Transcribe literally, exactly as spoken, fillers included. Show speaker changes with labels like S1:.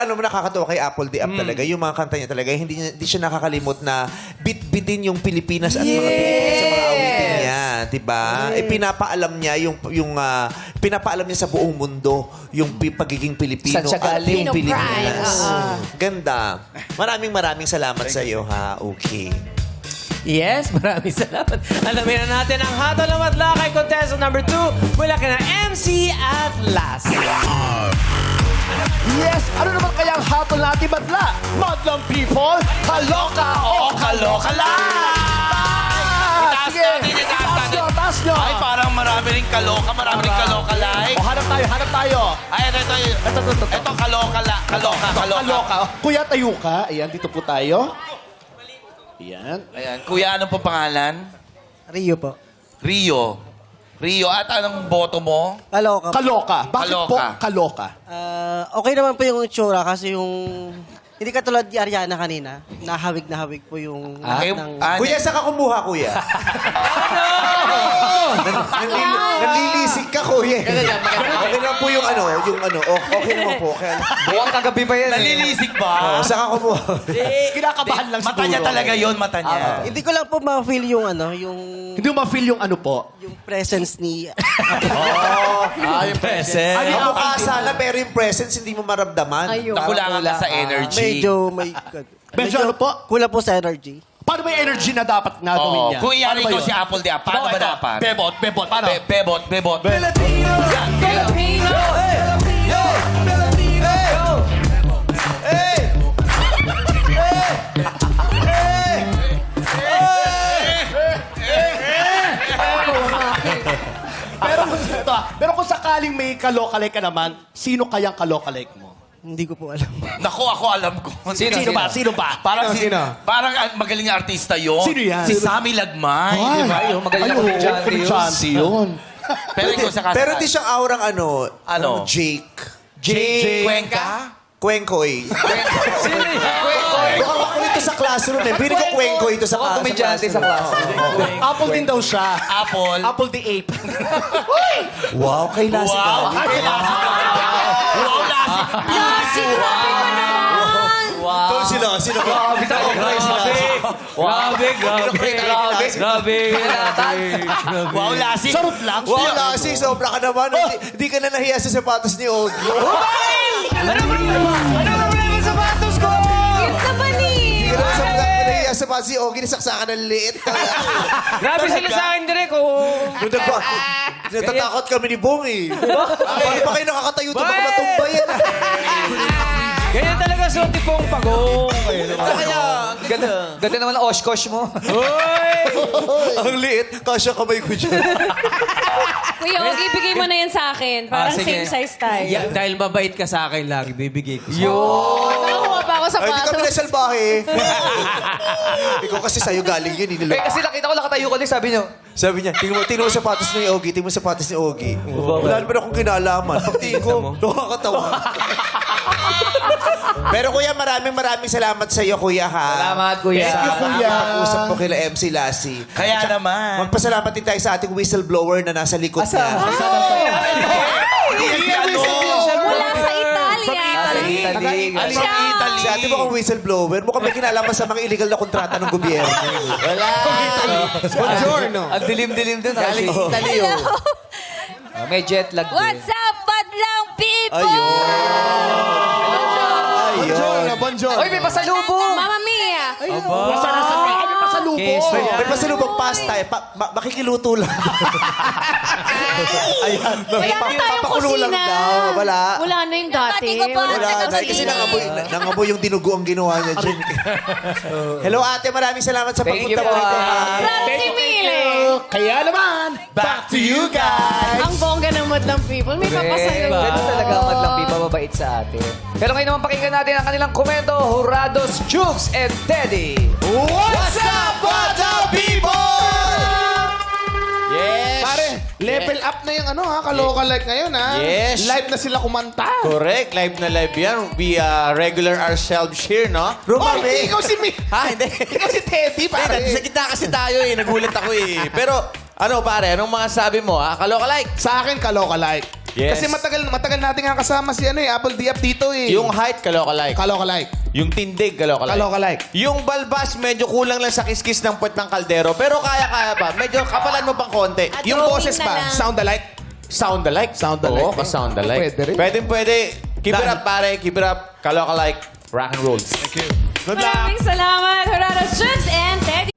S1: Ano mo nakakatawa kay Apple D Up talaga, yung mga kanta niya talaga, hindi, niya- hindi siya nakakalimot na bit-bitin yung Pilipinas at mga Pilipino sa mga awitin niya, di ba? Eh, pinapaalam niya yung, yung ah, pinapaalam niya sa buong mundo yung pi- pagiging Pilipino
S2: Saan siya
S1: at
S2: galing?
S1: yung
S3: Filipino
S1: Pilipinas.
S3: pride.
S1: Ganda. Maraming maraming salamat sa iyo, ha? Okay.
S4: Yes, maraming salamat. Alamin na natin ang hatol ng madla kay contestant number two mula kina M C at Lassie.
S5: Yes! Ano naman kaya ang hatol na ating madla? Madlang people, kaloka o kaloka lang!
S6: Itaas
S5: Sige,
S6: natin, itaas
S5: taas
S6: natin.
S5: nyo, taas nyo!
S6: Ay, parang marami rin kaloka, marami rin kaloka like.
S5: O, hanap tayo, hanap tayo.
S6: Ay, ito, ito, ito,
S5: Ito, ito, ito.
S6: ito, kaloka la, kaloka, kaloka.
S5: Kaloka. Kuya, tayo ka. Ayan, dito po tayo. Ayan.
S6: Ayan, kuya, ano po pangalan?
S7: Rio po.
S6: Rio. Rio, at anong boto mo?
S7: Kaloka.
S5: Kaloka. Bakit
S6: Kaloka.
S5: po kaloka?
S7: Ah, okay naman po yung itsura kasi yung... Hindi katulad ni Ariana kanina. Nahawig na hawig po yung lahat
S6: Ay,
S7: ng...
S6: ah,
S1: Kuya, saan ka kumuha, kuya? Nanlili- Nanlilisik ka, kuya. Okay lang po yung ano, yung ano, o- okay naman po. Kaya,
S2: Buwang kagabi pa yan. eh.
S6: Nalilisik ba?
S1: oh, saan ka kumuha?
S5: Kinakabahan lang
S6: Mata niya
S5: siguro.
S6: talaga yon mata niya.
S7: Hindi ko lang po ma-feel yung ano, yung...
S5: Hindi mo ma-feel yung ano po.
S7: Yung presence ni...
S5: Ah, yung
S4: Present.
S5: Ano yung
S1: Kamukha sana, pero yung presence hindi mo maramdaman.
S3: Ayun.
S6: Nakulangan ka sa energy.
S7: medyo may...
S5: Medyo ano po?
S7: Kulang po sa energy.
S5: Paano ba yung energy na dapat nga gawin
S6: Oo.
S5: niya?
S6: Kung iyan
S5: Paano ba
S6: ikaw
S5: yun?
S6: si Apple Dia, paano
S5: Ito,
S6: ba
S5: ito.
S6: dapat?
S5: Bebot, bebot. Paano?
S6: Be- bebot, bebot.
S3: Filipino!
S5: pero, kung, ito, ah, pero kung sakaling may kalokalike ka naman, sino kayang kalokalike mo?
S7: Hindi ko po alam.
S6: Naku, ako alam ko.
S2: Sino,
S5: Sino ba? Sino ba?
S6: Parang, si,
S1: Sino?
S6: parang ah, magaling na artista yun.
S5: Sino yan?
S6: Si Sammy Lagmay.
S5: Ay,
S6: di ba?
S2: Ay, magaling na
S5: oo,
S2: komedyante yun.
S5: komedyante yun.
S6: Pero ikaw sa kasal.
S1: Pero di siyang aurang ano,
S6: Ano?
S1: Jake.
S6: Jake Cuenca?
S1: Kwengkoy.
S2: Sino yan?
S1: Mukhang makulit ito sa classroom eh. Pili ko kwengkoy ito sa,
S2: Mukhang
S1: sa
S2: komedyante sa
S1: classroom.
S2: klase.
S5: Apple din daw siya.
S6: Apple.
S5: Apple the ape.
S1: Wow, kay Lassie
S6: Wow.
S1: Gabi.
S6: Ay, Lassie. Wow, Lassie.
S3: Lassie, grabe ka naman!
S1: Ito si Lassie. Grabe sa
S2: Grabe, grabe, grabe, grabe.
S6: Wow, Lassie.
S5: Sarot lang.
S1: Wow, Lassie, sobra ka naman. Hindi hindi ka na nahiya sa sapatos ni Ogie.
S4: Ano problema? Ano problema sa sapatos ko?
S3: Cute naman eh!
S1: Hindi ka na sa nahiya sa sapatos ni Ogie, nasaksakan ng liit.
S4: Grabe sila sa akin, Direk. Oh.
S1: Nung nagba, natatakot kami ni Bong eh. Bakit pa kayo nakakatayo ito? Baka
S4: Bakit?
S1: matumba yan.
S4: Ganyan talaga suot ni Pong Pagong.
S2: Ganda, ganda naman ang oshkosh mo.
S4: Hoy!
S1: Ang liit, kasya kamay ko dyan.
S3: Kuya, Ogie, bigay mo na yan sa akin. Parang
S2: Ah, sige.
S3: same size tayo.
S4: Ya, dahil mabait ka sa akin lagi, bibigay ko sa'yo.
S3: Nakakuha pa ako sa
S1: Ay, di kami
S3: patos.
S1: nasalbahe. Ikaw kasi sa'yo galing yun.
S2: Eh,
S1: Inilog.
S2: kasi nakita ko nakatayo ko din, sabi niyo.
S1: Sabi niya, tingnan mo, tingnan mo sapatos ni Ogie, tingnan mo sapatos ni Ogie. Wala naman akong kinalaman. Pagtingin ko, nakakatawa. Pero kuya, maraming maraming salamat sa iyo, kuya, ha?
S2: Salamat, kuya.
S1: Sa
S5: Thank you, kuya.
S1: pag-usap mo kila M C Lassie.
S6: Kaya naman.
S1: Magpasalamat din tayo sa ating whistleblower na nasa likod
S2: Asa?
S1: niya.
S2: Asa?
S6: Hindi yan si ano.
S3: Mula sa Italia.
S2: Italy.
S6: Ano
S3: Siya.
S6: yung Italy?
S1: Si ate mo kung whistleblower, mukhang may kinalaman sa mga illegal na kontrata ng gobyerno.
S2: Wala.
S1: Buongiorno.
S2: Ang dilim-dilim dun.
S5: Galing
S2: Galing.
S5: Italy, oh.
S2: May jet lag din.
S3: What's up, badlang people?
S1: Ayun.
S5: Bonjour, bonjour.
S2: Oy, may pasalubong!
S3: Mamma mia!
S5: Basta nasa kaya may pasalubong.
S1: May pasalubong pasta eh. Pa, ma- makikiluto lang. Ayan.
S3: Wala na tayong
S1: Papakulo lang
S3: kusina.
S1: daw. Wala.
S3: Wala na yung dati. Dati ko pa.
S1: Wala
S3: Wala
S1: na. Kasi nangamoy, nangamoy yung dinugo ang ginawa niya dyan. Hello ate, maraming salamat sa
S2: Thank you
S1: pagpunta mo
S2: po,
S1: rito.
S2: ah.
S1: ha?
S3: Francie Mille.
S5: Kaya naman, back to you guys.
S3: Ang bongga ng madlang people. May
S2: Eh,
S3: papasayo.
S2: ganun talaga ang madlang pipa mabait sa atin. Pero ngayon naman pakinggan natin ang kanilang komento, Jurados, Jukes, and Teddy.
S5: What's up, Bata people?
S6: Yes.
S5: Pare, level up na yung ano ha, kaloka-like ngayon ha.
S6: Yes.
S5: Live na sila kumanta.
S6: Correct. Live na live yan. We uh, regular ourselves here, no?
S5: Oh,
S1: Rumami.
S5: hindi, ikaw si Mi.
S6: Ha, hindi.
S5: Ikaw si Teddy, pare.
S6: Sa gitna kasi tayo eh. Nagulat ako eh. Pero, ano pare, anong mga sabi mo ha? Kaloka like.
S5: Sa akin, kaloka-like.
S6: Yes.
S5: Kasi matagal matagal natin nga kasama si ano eh, Apple Diap dito eh.
S6: Yung height, kaloka-like.
S5: Kaloka-like.
S6: Yung tindig, kaloka-like.
S5: Kaloka-like.
S6: Yung balbas, medyo kulang lang sa kiskis ng puwet ng kaldero. Pero kaya-kaya pa. Medyo kapalan mo pang konti.
S3: At
S5: Yung
S3: drawing
S5: boses
S3: na
S5: pa,
S3: lang.
S5: sound alike.
S6: Sound alike.
S5: Sound alike.
S6: Oo, ka-sound alike.
S5: Pwede rin.
S6: Pwede, pwede. Keep it up, pare. Keep it up. Kaloka-like. Rock and roll.
S5: Thank you. Good luck.
S3: Maraming salamat, Horados Chooks and Teddy.